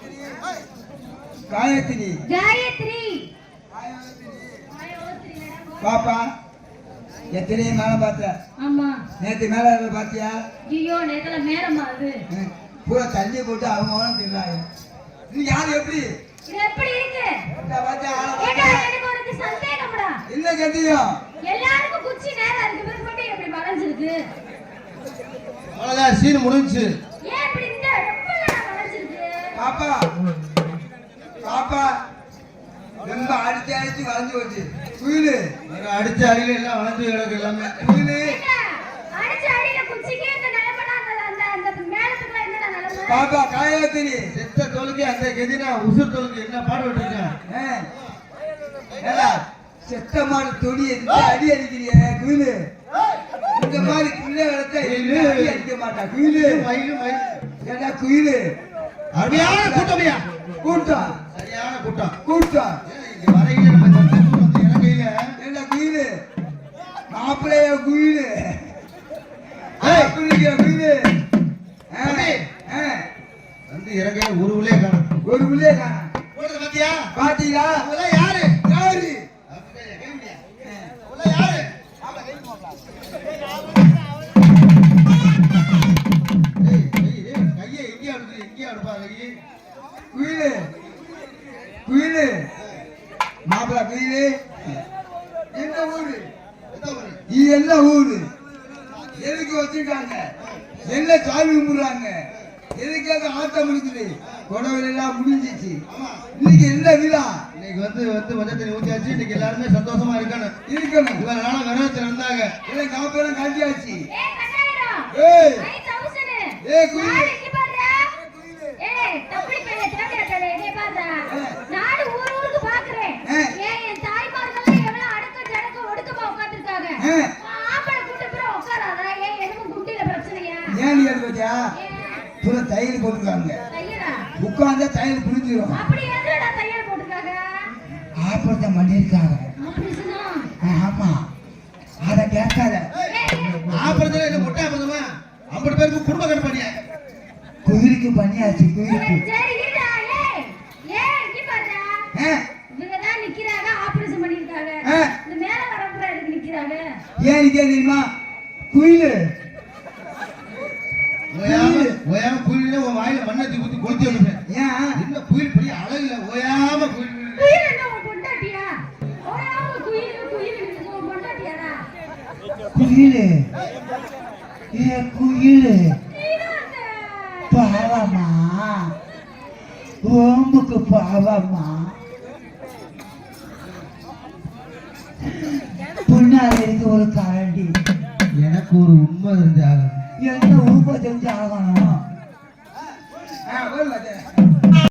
காயத்ரி காயத்ரி பாப்பா எத்தனை மேல பார்த்த? ஆமா. நேத்து மேல பாத்தியா? ஐயோ நேத்துல மேலமா அது பூரா தண்ணி போட்டு அவங்க தின்னாங்க. நீ யாரு எப்படி இது எப்படி இருக்கு? எனக்கு ஒரு சந்தேகம்டா. என்ன கேட்டியும் எல்லாருக்கும் குச்சி நேரா இருக்கு, பிறகு மட்டும் எப்படி வளைஞ்சிருக்கு? அவ்வளவுதான், சீன் முடிஞ்சு. ஏன் இப்படி இந்த ரெப்பல வளைஞ்சிருக்கு? பாப்பா பாப்பா ரொம்ப அடிச்சு அடிச்சு வளைஞ்சு போச்சு. குயிலு அடிச்ச அடியில எல்லாம் வளைஞ்சு கிடக்கு எல்லாமே. குயிலு அடிச்ச அடியில குச்சிக்கே இந்த நிலைமைனா அந்த அந்த மேலத்துக்குள்ள என்னடா நிலைமை? பாப்பா காயத்ரி செத்த தோலுக்கு அந்த கெதினா உசுர் தோலுக்கு என்ன பாடுபட்டு இருக்கேன். செத்த மாடு தொடி அடி அடிக்கிறிய குயிலு. இந்த மாதிரி பிள்ளை வளர்த்தா அடி அடிக்க மாட்டா குயிலு. ஏன்னா குயிலு அருமையான கூட்டமையா கூட்டம், சரியான கூட்டம் கூட்டம். வரையில நம்ம இலங்கையில என்ன குயிலு மாப்பிள்ளைய குயிலு குயிலு வந்து இறங்கையில ஒரு உள்ளே காணும், ஒரு உள்ளே காணும். பாத்தியா பாத்தீங்களா? யாரு யாரு யாரு கையை எங்கே அடுத்து எங்கே அடுப்பா கையை குயிலு குயிலு மாப்பிள்ள குயிலு. என்ன ஊரு இது? என்ன ஊரு? எதுக்கு வச்சிருக்காங்க? என்ன சாமி கும்பிடுறாங்க? எதுக்காக ஆட்டம் முடிக்குது? கொடவில் எல்லாம் முடிஞ்சிச்சு. இன்னைக்கு என்ன விழா? இன்னைக்கு வந்து மஞ்சள் ஊத்தியாச்சு. இன்னைக்கு எல்லாருமே சந்தோஷமா இருக்கணும். இவ்வளவு நாளா விரதத்துல இருந்தாங்க. எல்லாம் காப்பெல்லாம் காட்டியாச்சு. ஏய் ஏய் குயிலு நாடு ஊருக்கு பாக்குறேன். என் தாய்மார்கள் எவ்வளவு அடக்க ஜடக்க ஒடுக்கமா உட்கார்ந்திருக்காங்க. ஆம்பளை கூட்ட பேர உட்காராதா? ஏன் எதுவும் குட்டில பிரச்சனையா? ஏன் நீ பாத்தியா? புற தையல் போட்டுருக்காங்க. தையலா? உட்கார்ந்தா தையல் புரிஞ்சிடும். அப்படி எதுடா தையல் போட்டுருக்காங்க? ஆபரேஷன் பண்ணிருக்காங்க. ஆபரேஷனா? ஆமா. அத கேட்காத. ஆபரேஷன் என்ன மொட்டை ஆபரேஷமா? 50 பேருக்கு குடும்ப கட்டு பண்ணியா? குயிலுக்கு பண்ணியாச்சு. குயிலுக்கு சரி இருடா. ஏய் இங்க பாருடா. இவங்க தான் நிக்கறாங்க, ஆபரேஷன் பண்ணிருக்காங்க. இந்த மேல வரப்புற எதுக்கு நிக்கறாங்க? ஏன் நிக்க தெரியுமா? குயிலு ஓயாம குயிலே உன் வாயில மண்ணத்தி ஊத்தி கொளுத்தி விடுறேன். ஏன் என்ன குயில் பெரிய அழகுல ஓயாம குயில் என்ன உன் பொண்டாட்டியா? ஓயாம குயில் உன் பொண்டாட்டியாடா? குயிலு ஏ குயிலு பாவமா, ஓம்புக்கு பாவமா. புண்ணால இருக்கு ஒரு கரண்டி. எனக்கு ஒரு உண்மை தெரிஞ்சாகும். என்ன உண்மை தெரிஞ்சாகணும்?